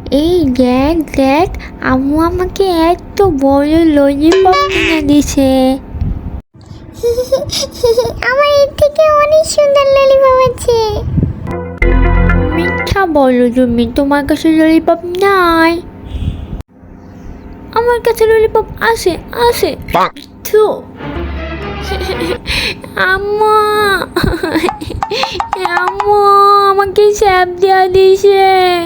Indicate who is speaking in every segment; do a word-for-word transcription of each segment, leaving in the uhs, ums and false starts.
Speaker 1: এই দেখ দেখ, আম্মু আমাকে এত বড় ললিপপ কিনে দিছে।
Speaker 2: আমার এর থেকে অনেক সুন্দর ললিপপ আছে।
Speaker 1: মিথ্যা বলো তুমি, তোমার কাছে ললিপপ নাই। আমার কাছে ললিপপ আছে আছে। থু। আম্মু আম্মু আমাকে স্যাপ দেওয়া দিছে।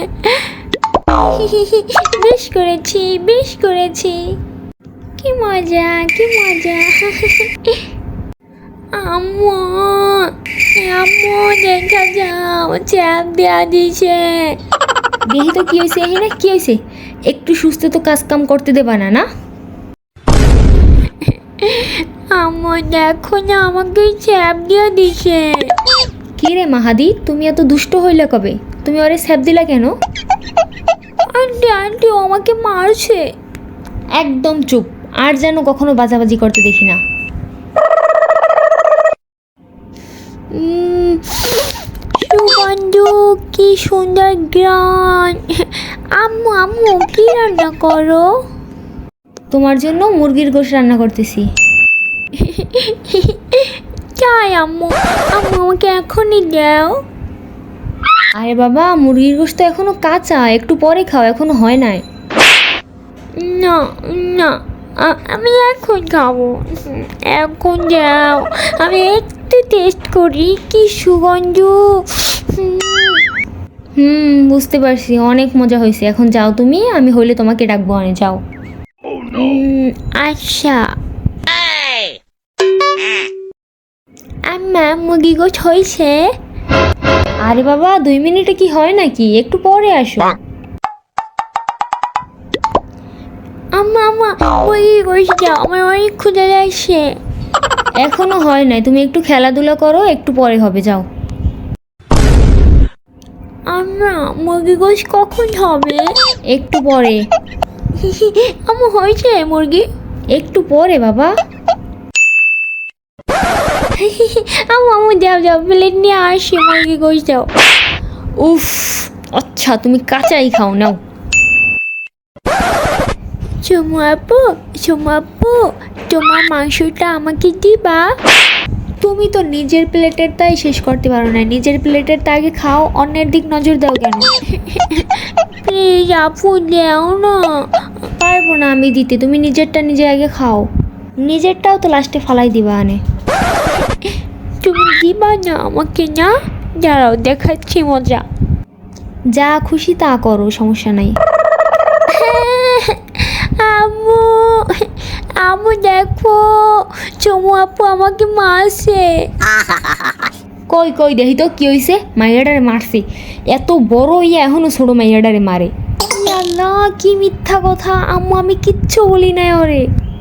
Speaker 1: বেশ করেছি বেশ করেছি, কি মজা কি মজা। আম্মু আম্মু দেখা যাও, স্যাপ দেওয়া দিছে। দেখি তো কি হয়েছে, না কি হয়েছে, একটু সুস্থ তো কাজ কাম করতে দেবা না না। আম্মু দেখো না, আমাকে স্যাপ দিয়ে দিছে। কি রে মাহাদি, তুমি এত দুষ্ট হইলে কবে? তুমি ওরে স্যাপ দিলা কেন? আন্টি আন্টি ও আমাকে মারছে। একদম চুপ, আর যেন কখনো বাজাবাজি করতে দেখি না। সুগন্ধ, কি সুন্দর গ্রান। আম্মু আম্মু কি রান্না করো? তোমার জন্য মুরগির গোশত রান্না করতেছি। চাই আম্মু, আম্মু আমাকে এখনই দাও। আরে বাবা, মুরগির গোশত এখনো কাঁচা, একটু পরে খাও, এখনো হয় নাই। না না, আমি এখন খাবো, এখন যাও, আমি একটু টেস্ট করি। কি সুগন্ধ। হুম বুঝতে পারছি, অনেক মজা হয়েছে। এখন যাও তুমি, আমি হইলে তোমাকে ডাকবো, আনে যাও। আচ্ছা। আম্মা মুরগি গোশত হয়েছে? আরে বাবা, দুই মিনিটে কি হয় নাকি, একটু পরে আসো। আম্মা আম্মা মুরগি গোশত দাও, আমার অনেক ক্ষুধা লাগছে। এখনো হয় নাই, তুমি একটু খেলাধুলা করো, একটু পরে হবে, যাও। আম্মা মুরগি গোশত কখন হবে? একটু পরে। আম্মু হয়েছে মুরগি? একটু পরে বাবা। আম্মু আম্মু যাও যাও, প্লেট নিয়ে আসি, মুরগি গোশত দাও। উফ, আচ্ছা তুমি কাঁচাই খাও, নাও। চুমু আপু চুমু আপু, তোমার মাংসটা আমাকে দিবা? তুমি তো নিজের প্লেটের তাই শেষ করতে পারো না, নিজের প্লেটের তা আগে খাও, অন্যের দিক নজর দাও কেন? প্লিজ আপু দাও না। পারবো না আমি দিতে, তুমি নিজেরটা নিজে আগে খাও, নিজেরটাও তো লাস্টে ফালাই দিবা আনে। তুমি দিবা না আমাকে? না দাঁড়াও, দেখাচ্ছি মজা। যা খুশি তা করো, সমস্যা নাই। আম্মু আম্মু দেখো, চুমু আপু আমাকে মারছে। কই কই দেখি তো কি হয়েছে। মাইয়াডারে মারছে, এত বড় ইয়া এখনো ছোট মাইয়াডারে মারে। না কি মিথ্যা কথা, আম্মু আমি কিচ্ছু বলি নাই ওরে।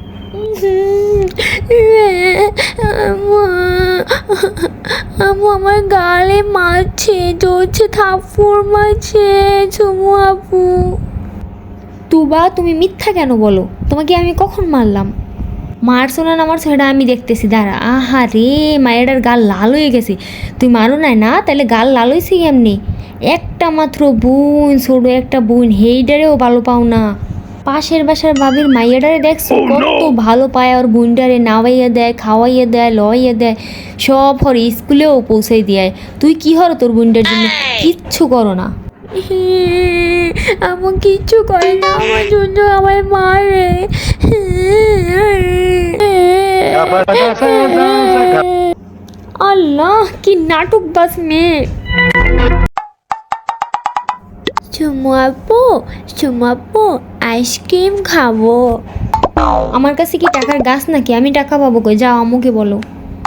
Speaker 1: আম্মু আমার গালে মারছে, ধরছে, থাপ্পড় মারছে চুমু আপু। তুবা তুমি মিথ্যা কেন বলো? তোমাকে আমি কখন মারলাম? মারছো না আমার সেটা আমি দেখতেছি, দাঁড়া। আহা রে, মায়েরার গাল লাল হয়ে গেছে। তুই মারো নাই না, তাহলে গাল লাল হয়েছে এমনি। একটা মাত্র বোন, ছোট একটা বোন, হেইডারেও ভালো পাও না। পাশের বাসার বাবির মাইয়াডারে দেখছো কত ভালো পায়, ওর বোনডারে নাওয়াইয়া দেয়, খাওয়াইয়া দেয়, লইয়া দেয়, সব হর স্কুলেও পৌঁছাই দেয়। তুই কি হর তোর বোনটার জন্য কিচ্ছু করো না? আমার কিচ্ছু করে না, আমার জন্য আমার মারে। আল্লাহ কি নাটক বাস মেয়ে। চুমু আপু চুমু আপু আইসক্রিম খাবো। আমার কাছে কি টাকার গাছ নাকি, আমি টাকা পাবো কই? যাও আম্মুকে বলো।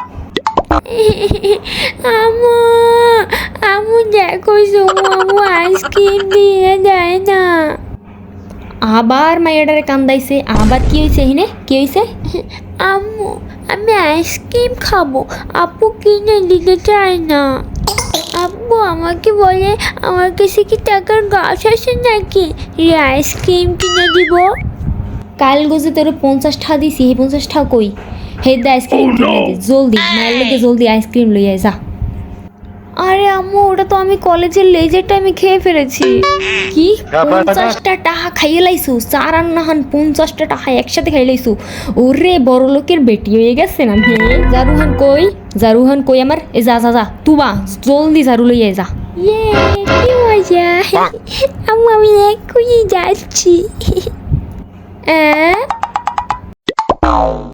Speaker 1: আম্মু আম্মু দেখো, চুমু আম্মু আইসক্রিম দিয়ে দেয় না। আবার মাইয়াডারে কান্দাইছে, আবার কি হয়েছে হিনে, কি হয়েছে? আম্মু আমি আইসক্রিম খাবো, আপু কিনে দিতে চায় না। আব্বু আমাকে বলে আমার কাছে কি টাকার গাছ আছে নাকি এই আইসক্রিম কিনে দিব। কাল গোজে তোর পঞ্চাশ টাকা দিছি, এই পঞ্চাশ টাকা কই? হে দে আইসক্রিম কিনে দে জলদি, মায়ের লোকে জলদি আইসক্রিম লইয়া যা। আরে আম্মু ওটা তো আমি কলেজের লেজের টাইমে খেয়ে ফেলেছি। কি পঞ্চাশটা টাকা খাইয়ে লাইছু? চার আর নাহান পঞ্চাশটা টাকা একসাথে খাইয়ে লাইছু? ওরে বড় লোকের বেটি হয়ে গেছে না মেয়ে। জারুহান কই? জারুহান কই আমার? এ যা যা যা তুবা জলদি ঝাড়ু লইয়ে যা। ইয়ে কি মজা। আম্মু আমি এক্ষুনি যাচ্ছি। হ্যাঁ